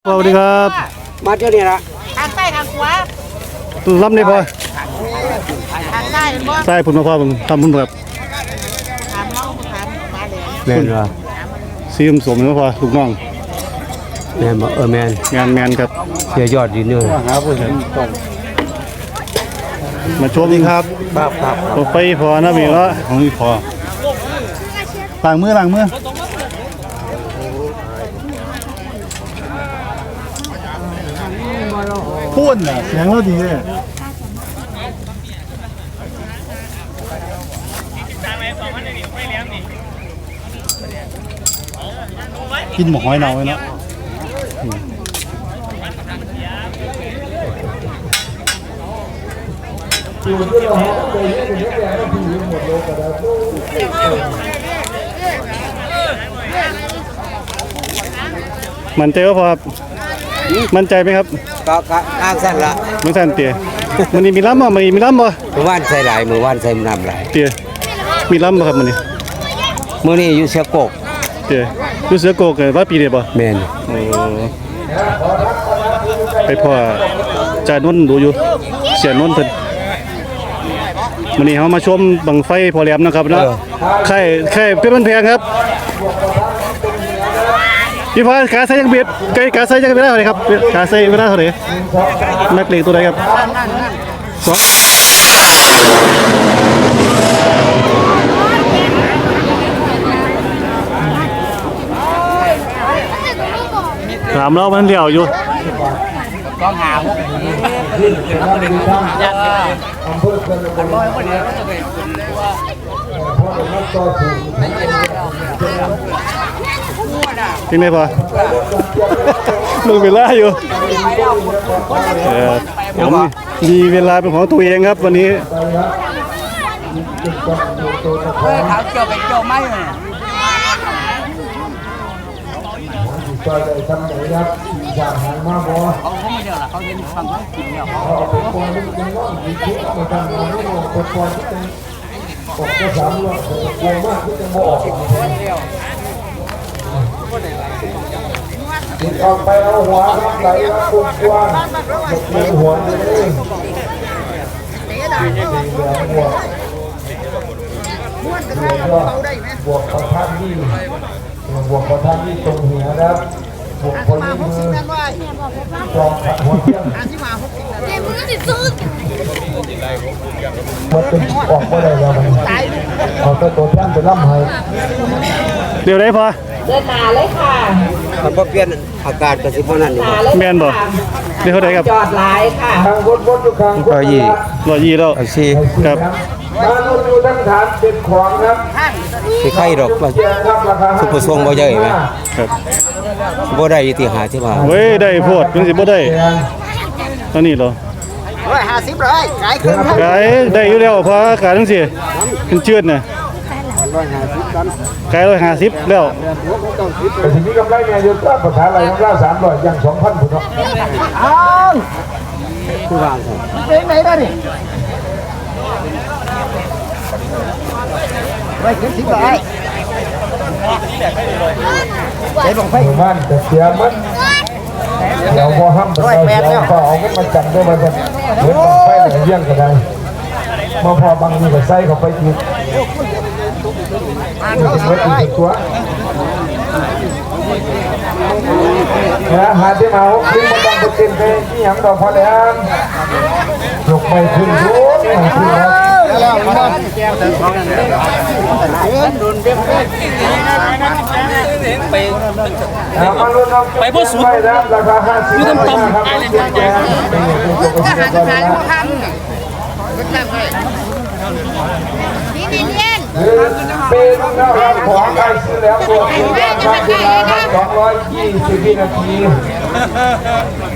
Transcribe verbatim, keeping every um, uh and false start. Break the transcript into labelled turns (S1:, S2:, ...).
S1: สวัสดีครับ
S2: มาเท่านี้ละ
S3: ทางใต้ทางขวา
S1: ล้ำได้พอ
S3: ทางใต้เป็นบ่
S1: ใต้พุ่นมาพ่อผมทำพุ่นแบบ
S3: ถามน้องถามมาเลย
S2: แมนเหรอ
S1: ซีมสมนะพ่อลูกน้อง
S2: แมนบ่เออแมน
S1: งานแมนครับ
S2: เสียยอดดีเนื้อ
S1: หาผู้เห็นต้องมาชมครับ
S2: ครับครับ
S1: ตัวไฟพอนะมีละของนี่พอล้างมือล้างมือพูดน่ะเสียงเราดีเลยกินหมกหอยเน่าไว้เนาะมันใจว่าพอมั่นใจไหมครับ
S2: ก็อ้างสั้นละ
S1: มันสั้นเตี๋ยมันนี่มีล้ำบ่มันมีล้ำบ่
S2: มือว่านใส่หลายมือว่านใส่น้ำหลาย
S1: เตี๋ยมีล้ำบ่ครับมันนี่
S2: มือนี่อยู่เสือโกก
S1: เตี๋ยอยู่เสือโกกเลยว่าปีเดียวบ่
S2: แมน
S1: โอ้ไปพ่อจ่านนท์ดูอยู่เสียนนท์เพิ่นวันนี้เขามาชมบังไฟพอแหลมนะครับเนาะไข่ไข่เป็นมันแพงครับพี่ฟ้ากาใส่ยังเบียดไก่กาใส่ยังเวลาเท่าไหร่ครับกาใส่เวลาเท่าไหร่นักเลงตัวใดครับสองถามเรามันเดี่ยวอยู่
S3: ก็หาพวกนี้ยัดอำเภอกันกันบ่อยบ่ได้ก็จะเป็นว่า
S1: จริงไหมพ่อมึงเวลาอยู่ผมมีเวลาเป็นของตัวเองครับวันนี้
S3: เฮ้ยเขาเกี่ยวไปเกี่ยวไม่เลย
S4: จอยได้ทำไหนครับอยากหามาบ่
S3: เขาเขาไม่เดียวล่ะเขาเห็นฟังเขากินเนี่ยเขา
S4: เอาไปปล่อยนี่เป็นว่ามีคลิปมาทำงานนี่เราไปปล่อยที่เป็นออกก็สามรอบกลัวมากที่จะบ่ออกติดออกไปเอาหัวครับไหลครับคุณกวางหลบหัวนี่เลยหัวบวกประทัดที่บวกประทัดที่ตรงหัวครับบวกคนมือจองขัดหัวเที่ยงมันเป็นออกก็ได้แล้วมันเอาตัวตัวแท่นไปล่ำให้
S1: เดี๋ยวได้พอ
S5: เดินหนาเลยค่ะ
S2: มันก็เปลี่ยนอากาศกับสิบวันนั้นอยู่
S1: แมนบ่เดี๋ยวเท่าไหร่ครับ
S5: จอดหลายค่ะ
S4: ทางบนบนทุกครั้ง
S2: ร้อยยี่
S1: ร้อยยี่แล้ว
S2: สี่
S1: ครับ
S4: มาดูดูทั้งฐานเป็นของครับ
S2: ที่ไข่ดอกว่าสุภทรงบ่ใหญ่ไหม
S1: ครับ
S2: บ่ได้ที่หาที่ว่า
S1: เว้ยได้โพดมันสิบ่ได้ตอนนี้เหรอ
S3: ร้อยห้าสิบเลยขายคืน
S1: ขายได้อยู่แล้วเพราะขายทั้งสี่เป็นเชือดน่ะขายร้อยห้าสิบแล้ว
S4: แต่ทีนี้กำไรเนี่ยอยู่ก็ประธานอะไรของเราสามร้อยยังสองพันผุนเนาะ
S3: อ้าว
S2: ผู้วาง
S3: เป็นไหนได้ดิไว้ขึ้นสิบเลย
S4: เจ๊ลงไปบ้านแต่เสียมันเดี๋ยวพอห้ามไปเดี๋ยวพอเอาเงินมาจับได้มาจะเหมือนไปไหนเยี่ยงก็ได้มาพอบางทีก็ใส่เข้าไปอีกเมื่ออีกตัวนะหาที่มาหกขึ้นมาดังไปเต็มไปที่หยังดอกพอแล้วยกไปขึ้นดูไปขึ้นแล้ว
S3: ไปพ่อสุดยืดต่ำๆอะไรเนี่ยจะหาจะหาพวกทำนี่นี่เล่น
S4: เป็นนะครับของใครซื้อแล้วตัวคุณครับคุณละสองร้อยยี่สิบนาที